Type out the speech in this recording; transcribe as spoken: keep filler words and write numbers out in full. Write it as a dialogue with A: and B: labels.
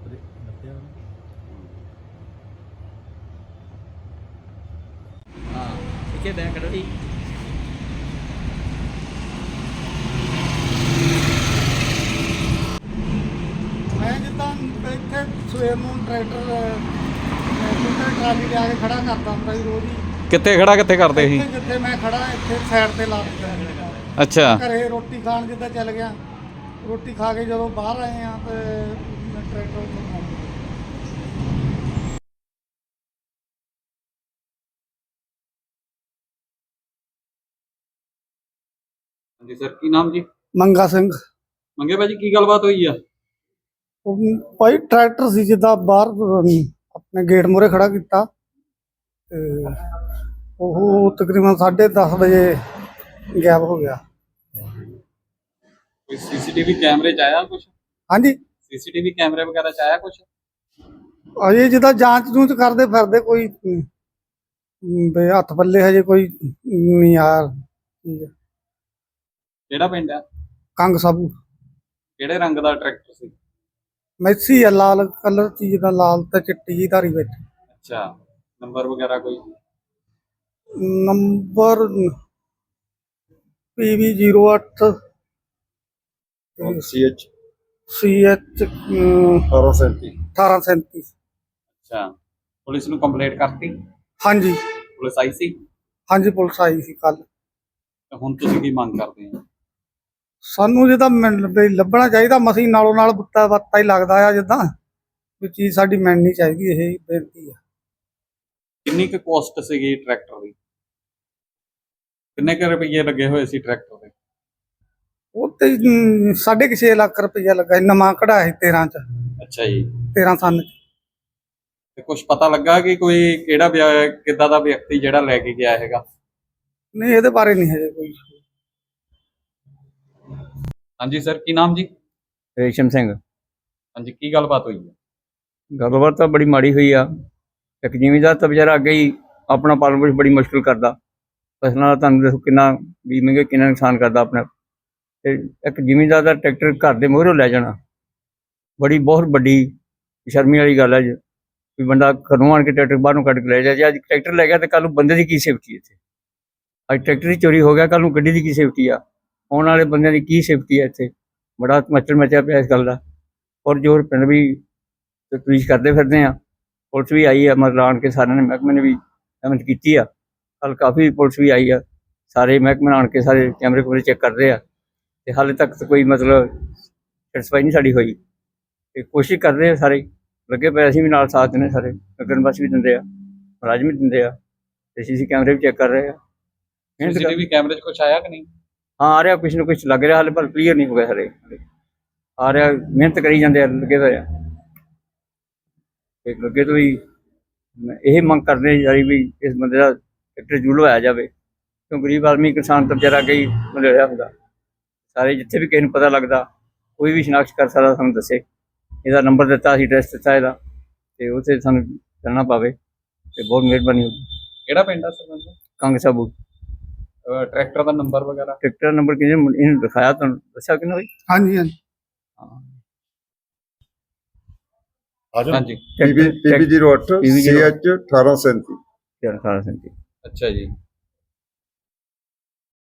A: ਲੱਭਿਆ
B: ਹਾਂ ਇੱਥੇ ਬੈਂਕ ਕੱਢੋ ਜੀ।
C: ਮੈਂ ਜਿੱਦਾਂ ਇੱਥੇ ਸਵੇਰ ਨੂੰ ਟਰੈਕਟਰ ਟਰੈਕਟਰ ਟਰਾਲੀ ਲਿਆ ਕੇ ਖੜਾ ਕਰਦਾ ਹੁੰਦਾ ਸੀ ਰੋਜ਼ ਹੀ।
D: ਕਿੱਥੇ ਖੜਾ ਕਿੱਥੇ ਕਰਦੇ ਸੀ?
C: ਇੱਥੇ ਜਿੱਥੇ ਮੈਂ ਖੜਾ ਇੱਥੇ ਸਾਈਡ ਤੇ ਲਾ ਦਿੱਤਾ।
D: ਅੱਛਾ।
C: ਘਰੇ ਰੋਟੀ ਖਾਣ ਜਿੱਦਾਂ ਚੱਲ ਗਿਆ, ਰੋਟੀ ਖਾ ਕੇ ਜਦੋਂ ਬਾਹਰ ਆਏ ਆ ਤੇ ਟਰੈਕਟਰ ਉੱਤੇ
D: ਹਾਂਜੀ ਸਰ, ਕੀ ਨਾਮ ਜੀ?
C: ਮੰਗਾ ਸਿੰਘ।
D: ਮੰਗੇ ਭਾਜੀ, ਕੀ ਗੱਲਬਾਤ ਹੋਈ ਆ?
C: ਉਹ ਭਾਈ ਟਰੈਕਟਰ ਸੀ ਜਿੱਦਾਂ ਬਾਹਰ ਆਪਣੇ ਗੇਟ ਮੂਹਰੇ ਖੜਾ ਕੀਤਾ ਤੇ ਉਹ ਤਕਰੀਬਨ ਸਾਢੇ ਦਸ ਵਜੇ ਗਾਇਬ ਹੋ ਗਿਆ।
D: ਕੋਈ ਸੀਸੀਟੀਵੀ ਕੈਮਰੇ ਚ ਆਇਆ ਕੁਝ?
C: ਹਾਂਜੀ,
D: ਸੀਸੀਟੀਵੀ ਕੈਮਰੇ ਵਗੈਰਾ ਚ ਆਇਆ ਕੁਝ?
C: ਅਜੇ ਜਿੱਦਾਂ ਜਾਂਚ ਜੂਚ ਕਰਦੇ ਫਿਰਦੇ, ਕੋਈ ਅਮ, ਵੀ ਹੱਥ ਪੱਲੇ ਹਜੇ ਕੋਈ ਨਹੀਂ ਆ। ਠੀਕ ਹੈ।
D: ਕਿਹੜਾ ਪਿੰਡ ਆ?
C: ਕੰਗ ਸਾਬੂ।
D: ਕਿਹੜੇ ਰੰਗ ਦਾ ਟਰੈਕਟਰ ਸੀ?
C: ਮੈਸੀ ਆ, ਲਾਲ ਕਲਰ ਚੀਜ਼ ਦਾ, ਲਾਲ ਤੇ ਚਿੱਟੀ ਜੀ ਧਾਰੀ ਵਿੱਚ।
D: ਅੱਛਾ, ਨੰਬਰ ਵਗੈਰਾ ਕੋਈ?
C: ਨੰਬਰ ਪੀ ਵੀ ਜ਼ੀਰੋ ਅੱਠ
A: ਸੀ ਐਚ
C: ਸੀ ਐਚ
A: ਅਠਾਰਾਂ ਸੈਂਤੀ।
C: ਅਠਾਰਾਂ ਸੈਂਤੀ।
D: ਅੱਛਾ, ਪੁਲਿਸ ਨੂੰ ਕੰਪਲੇਂਟ ਕਰਤੀ?
C: ਹਾਂਜੀ
D: ਪੁਲਿਸ ਆਈ ਸੀ?
C: ਹਾਂਜੀ, ਪੁਲਿਸ ਆਈ ਸੀ ਕੱਲ।
D: ਤੇ ਹੁਣ ਤੁਸੀਂ ਕੀ ਮੰਗ ਕਰਦੇ ਹੋ?
C: ਸਾਨੂੰ ਜਿੱਦਾਂ ਮਿਲ- ਵੀ ਲੱਭਣਾ ਚਾਹੀਦਾ, ਮਸੀਂ ਨਾਲੋਂ ਨਾਲ ਬੁੱਤਾ ਬੱਤਾ ਹੀ ਲੱਗਦਾ ਆ, ਜਿੱਦਾਂ ਵੀ ਚੀਜ਼ ਸਾਡੀ ਮਿਲਣੀ ਚਾਹੀਦੀ, ਇਹ ਬੇਨਤੀ ਆ।
D: ਕਿੰਨੀ ਕੁ ਕੋਸਟ ਸੀਗੀ ਟਰੈਕਟਰ ਦੀ? ਕਿੰਨੇ ਕੁ ਰੁਪਏ ਲੱਗੇ ਹੋਏ ਸੀ ਟਰੈਕਟਰ ਦੇ?
C: ਉਹ ਤੇ ਅਮ, ਸਾਢੇ ਕੁ ਛੇ ਲੱਖ ਰੁਪਈਆ ਲੱਗਾ ਸੀ, ਨਵਾਂ ਕਢਾਇਆ ਸੀ ਤੇਰਾਂ ਚ,
D: ਅੱਛਾ ਜੀ।
C: ਤੇਰਾਂ ਸੰਨ ਚ।
D: ਤੇ ਕੁਝ ਪਤਾ ਲੱਗਾ ਕਿ ਕੋਈ ਕਿਹੜਾ ਵਿਅ- ਕਿੱਦਾਂ ਦਾ ਵਿਅਕਤੀ ਜਿਹੜਾ ਲੈ ਕੇ ਗਿਆ ਹੈਗਾ?
C: ਨਹੀਂ, ਇਹਦੇ ਬਾਰੇ ਨਹੀਂ ਹਜੇ ਕੋਈ।
D: ਹਾਂਜੀ ਸਰ, ਕੀ ਨਾਮ ਜੀ?
B: ਰੇਸ਼ਮ ਸਿੰਘ।
D: ਹਾਂਜੀ, ਕੀ ਗੱਲਬਾਤ ਹੋਈ ਹੈ?
B: ਗੱਲਬਾਤ ਤਾਂ ਬੜੀ ਮਾੜੀ ਹੋਈ ਆ। ਇੱਕ ਜ਼ਿਮੀਂਦਾਰ ਤਾਂ ਵਿਚਾਰਾ ਅੱਗੇ ਹੀ ਆਪਣਾ ਪਾਲਣ ਪੋਸ਼ਣ ਬੜੀ ਮੁਸ਼ਕਿਲ ਕਰਦਾ। ਫਸਲਾਂ ਦਾ ਤੁਹਾਨੂੰ ਦੇਖੋ ਕਿੰਨਾ ਵੀ ਮਹਿੰਗੇ, ਕਿੰਨਾ ਨੁਕਸਾਨ ਕਰਦਾ ਆਪਣਾ। ਤੇ ਇੱਕ ਜ਼ਿਮੀਂਦਾਰ ਦਾ ਟਰੈਕਟਰ ਘਰ ਦੇ ਮੂਹਰੋਂ ਲੈ ਜਾਣਾ ਬੜੀ ਬਹੁਤ ਵੱਡੀ ਸ਼ਰਮੀ ਵਾਲੀ ਗੱਲ ਹੈ ਜੀ। ਵੀ ਬੰਦਾ ਘਰੋਂ ਆਣ ਕੇ ਟਰੈਕਟਰ ਬਾਹਰੋਂ ਕੱਢ ਕੇ ਲੈ ਜਾ। ਜੇ ਅੱਜ ਟਰੈਕਟਰ ਲੈ ਗਿਆ ਤਾਂ ਕੱਲ੍ਹ ਨੂੰ ਬੰਦੇ ਦੀ ਕੀ ਸੇਫਟੀ ਇੱਥੇ? ਅੱਜ ਟਰੈਕਟਰ ਦੀ ਚੋਰੀ ਹੋ ਗਿਆ, ਕੱਲ੍ਹ ਨੂੰ ਗੱਡੀ ਦੀ ਕੀ ਸੇਫਟੀ ਆ? ਆਉਣ ਵਾਲੇ ਬੰਦਿਆਂ ਦੀ ਕੀ ਸੇਫਟੀ ਹੈ ਇੱਥੇ? ਬੜਾ ਮੱਚਰ ਮਚਿਆ ਪਿਆ ਇਸ ਗੱਲ ਦਾ। ਔਰ ਜੋ ਪਿੰਡ ਵੀ ਤਫਤੀਸ਼ ਕਰਦੇ ਫਿਰਦੇ ਆ, ਪੁਲਿਸ ਵੀ ਆਈ ਆ, ਮਤਲਬ ਆਣ ਕੇ ਸਾਰਿਆਂ ਨੇ ਮਹਿਕਮੇ ਨੇ ਵੀ ਸਹਿਮਤ ਕੀਤੀ ਆ। ਕੱਲ੍ਹ ਕਾਫੀ ਪੁਲਿਸ ਵੀ ਆਈ ਆ, ਸਾਰੇ ਮਹਿਕਮੇ ਆਣ ਕੇ ਸਾਰੇ ਕੈਮਰੇ ਕੁਮਰੇ ਚੈੱਕ ਕਰਦੇ ਆ। ਤੇ ਹਾਲੇ ਤੱਕ ਤਾਂ ਕੋਈ ਮਤਲਬ ਸੈਟਿਸਫਾਈ ਨਹੀਂ ਸਾਡੀ ਹੋਈ। ਤੇ ਕੋਸ਼ਿਸ਼ ਕਰ ਰਹੇ ਆ, ਸਾਰੇ ਲੱਗੇ ਪਏ, ਅਸੀਂ ਵੀ ਨਾਲ ਸਾਥ ਦਿੰਦੇ, ਸਾਰੇ ਨਗਰ ਨਿਵਾਸੀ ਵੀ ਦਿੰਦੇ ਆ, ਮੁਲਾਜ਼ਮ ਵੀ ਦਿੰਦੇ ਆ, ਤੇ ਸੀ ਸੀ ਕੈਮਰੇ ਵੀ ਚੈੱਕ ਕਰ ਰਹੇ ਆ।
D: ਸੀਸੀਟੀਵੀ ਕੈਮਰੇ 'ਚ ਕੁਝ ਆਇਆ ਕਿ ਨਹੀਂ?
B: ਹਾਂ, ਆ ਰਿਹਾ, ਕੁਛ ਨਾ ਕੁਛ ਲੱਗ ਰਿਹਾ, ਹਾਲੇ ਪਰ ਕਲੀਅਰ ਨਹੀਂ ਹੋ ਗਿਆ ਸਾਰੇ। ਆ ਰਿਹਾ, ਮਿਹਨਤ ਕਰੀ ਜਾਂਦੇ ਆ, ਲੱਗੇ ਹੋਏ ਆ। ਤੇ ਅੱਗੇ ਤੋਂ ਵੀ ਇਹ ਮੰਗ ਕਰਦੇ ਆ ਸਾਰੀ ਵੀ ਇਸ ਬੰਦੇ ਦਾ ਟਰੈਕਟਰ ਜ਼ਰੂਰ ਲਵਾਇਆ ਜਾਵੇ, ਕਿਉਂ ਗਰੀਬ ਆਦਮੀ ਕਿਸਾਨ ਤਾਂ ਵਿਚਾਰਾ ਅੱਗੇ ਹੀ ਮਲਿਆ ਹੁੰਦਾ। ਸਾਰੇ ਜਿੱਥੇ ਵੀ ਕਿਸੇ ਨੂੰ ਪਤਾ ਲੱਗਦਾ, ਕੋਈ ਵੀ ਸ਼ਨਾਖਤ ਕਰ ਸਕਦਾ, ਸਾਨੂੰ ਦੱਸੇ। ਇਹਦਾ ਨੰਬਰ ਦਿੱਤਾ, ਅਸੀਂ ਐਡਰੈਸ ਦਿੱਤਾ ਇਹਦਾ, ਤੇ ਉੱਥੇ ਸਾਨੂੰ ਚੱਲਣਾ ਪਵੇ ਤੇ ਬਹੁਤ ਮਿਹਰਬਾਨੀ ਹੋਊਗੀ।
D: ਕਿਹੜਾ ਪਿੰਡ ਆ ਸਰ?
B: ਕੰਗ ਸਾਬੂ।
D: ਟਰੈਕਟਰ ਦਾ ਨੰਬਰ ਵਗੈਰਾ?
B: ਟਰੈਕਟਰ ਨੰਬਰ ਕਿਹਨੇ ਇਹਨੂੰ ਦਿਖਾਇਆ, ਤੁਹਾਨੂੰ ਦੱਸਿਆ ਕਿ ਨਹੀਂ?
C: ਹਾਂਜੀ ਹਾਂਜੀ।
B: ਹਾਂ,
D: ਹਾਂਜੀ।
A: ਪੀ ਵੀ ਜ਼ੀਰੋ ਅੱਠ ਸੀ ਐਚ ਅਠਾਰਾਂ ਸੈਂਤੀ।
B: ਅਠਾਰਾਂ ਸੈਂਤੀ।
D: ਅੱਛਾ ਜੀ।